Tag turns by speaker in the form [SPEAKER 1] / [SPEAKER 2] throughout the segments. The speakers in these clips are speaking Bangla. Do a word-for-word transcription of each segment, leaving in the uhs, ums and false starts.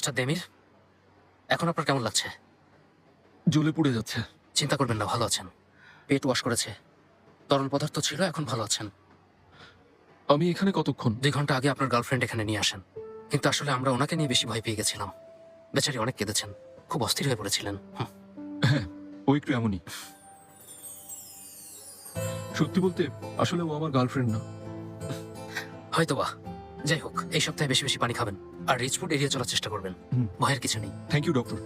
[SPEAKER 1] মিস্টার দেমির, এখন আপনার কেমন লাগছে?
[SPEAKER 2] জ্বলে পুড়ে যাচ্ছে।
[SPEAKER 1] চিন্তা করবেন না, ভালো আছেন। পেট ওয়াশ করেছে, তরল পদার্থ ছিল, এখন ভালো আছেন।
[SPEAKER 2] আমি এখানে কতক্ষণ?
[SPEAKER 1] দুই ঘন্টা আগে আপনার গার্লফ্রেন্ড এখানে নিয়ে আসেন, কিন্তু আসলে আমরা ওনাকে নিয়ে বেশি ভয় পেয়ে গেছিলাম। বেচারি অনেক কেঁদেছেন, খুব অস্থির হয়ে পড়েছিলেন। হুম।
[SPEAKER 2] হ্যাঁ, ও একটু এমনই। সত্যি বলতে আসলে ও আমার গার্লফ্রেন্ড না।
[SPEAKER 1] হয়তো বা। যাই হোক, এই সপ্তাহে বেশি বেশি পানি খাবেন আর রিচ ফুড এড়িয়ে চলার চেষ্টা করবেন।
[SPEAKER 2] হুম।
[SPEAKER 1] ভয়ের কিছু নেই।
[SPEAKER 2] Thank you doctor.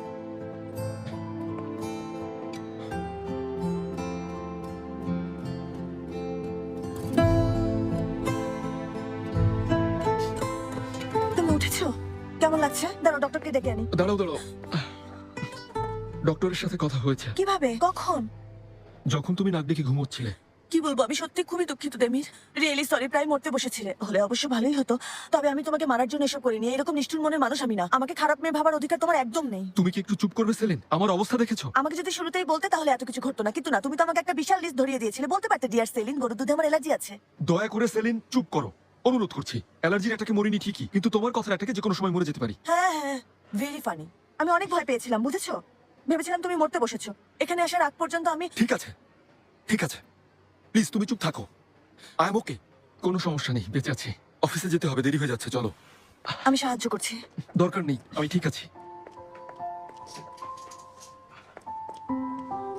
[SPEAKER 3] তুমি উঠেছো? কেমন লাগছে? দাঁড়াও, ডক্টরকে ডেকে আনি।
[SPEAKER 2] দাঁড়াও দাঁড়াও, ডক্টরের সাথে কথা হয়েছে।
[SPEAKER 3] কিভাবে? কখন?
[SPEAKER 2] যখন তুমি নাক ডেকে ঘুমোচ্ছিলে।
[SPEAKER 3] কি বলবো, আমি সত্যি খুবই দুঃখিত দেমির। রিয়েলি সরি, প্রায় মরতে বসেছিলে। হলে অবশ্য ভালোই হতো, তবে আমি তোমাকে মারার জন্য এসব করিনি। এরকম নিষ্ঠুর মনের মানুষ আমি না। আমাকে খারাপ মেয়ে ভাবার অধিকার তোমার একদম নেই।
[SPEAKER 2] তুমি কি একটু চুপ করবে সেলিন? আমার অবস্থা দেখেছো?
[SPEAKER 3] আমাকে যদি শুরুতেই বলতে তাহলে এত কিছু ঘটতো না, কিন্তু না, তুমি তো আমাকে একটা বিশাল লিস্ট ধরিয়ে দিয়েছিলে। বলতে পারতে, ডিয়ার সেলিন, গরুর দুধে আমার অ্যালার্জি আছে।
[SPEAKER 2] দয়া করে সেলিন চুপ করো, অনুরোধ করছি। অ্যালার্জির একটাকে মরিনি ঠিকই, কিন্তু তোমার কথার একটাকে যে কোনো সময় মরে যেতে পারি।
[SPEAKER 3] হ্যাঁ হ্যাঁ, ভেরি ফানি। আমি অনেক ভয় পেয়েছিলাম, বুঝেছো? ভেবেছিলাম তুমি মরতে বসেছো। এখানে আসার আগ পর্যন্ত আমি
[SPEAKER 2] ঠিক আছে ঠিক আছে, প্লিজ তুমি চুপ থাকো। আই এম ওকে, কোনো সমস্যা নেই, বেঁচে আছি। অফিসে যেতে হবে, দেরি হয়ে যাচ্ছে, চলো।
[SPEAKER 3] আমি সাহায্য করছি।
[SPEAKER 2] দরকার নেই, আমি ঠিক আছি।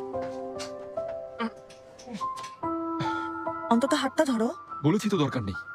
[SPEAKER 3] অন্তত হাতটা ধরো।
[SPEAKER 2] বলেছি তো দরকার নেই।